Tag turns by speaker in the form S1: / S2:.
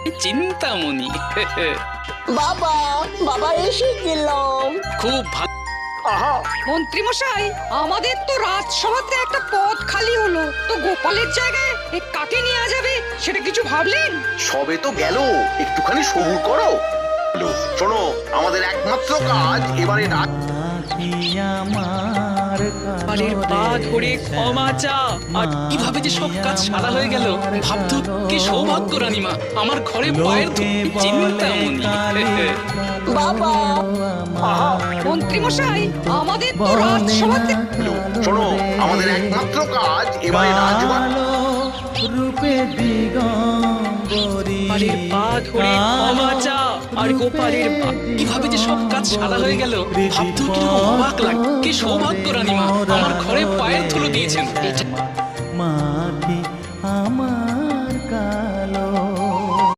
S1: চিন্তামণি।
S2: বাবা বাবা এসে গেলাম।
S1: খুব ভালো।
S2: আহা,
S3: মন্ত্রী মশাই, আমাদের তো রাজসভাতে একটা পদ খালি হলো, তো গোপালের জায়গায় কাকে নেওয়া যাবে সেটা কিছু ভাবলেন?
S4: সবে তো গেল, একটুখানি সবুর করো। শোনো, আমাদের একমাত্র কাজ এবারে
S1: বাড়ির পা ধরে ক্ষমা চা। আর কিভাবে যে সব কাজ সারা হয়ে গেল, ভাবতো কি সৌভাগ্য রানীমা, আমার ঘরে পায়ের ধুলো। চিন্তামণি।
S2: বাবা আহা,
S3: মন্ত্রী মশাই, আমাদের তো রাজসভাতে
S4: শোনো, আমাদের একমাত্র কাজ এবারে রাজবাড়ি
S1: বাড়ির পা ধরে ক্ষমা চা। আর গোপালের পা, কিভাবে যে সব কাজ সারা হয়ে গেল, ভাবতো কি অবাক লাগে, কি সৌভাগ্য রানীমা, আমার ঘরে পায়ের ধুলো দিয়েছেন। এটা
S5: মাটি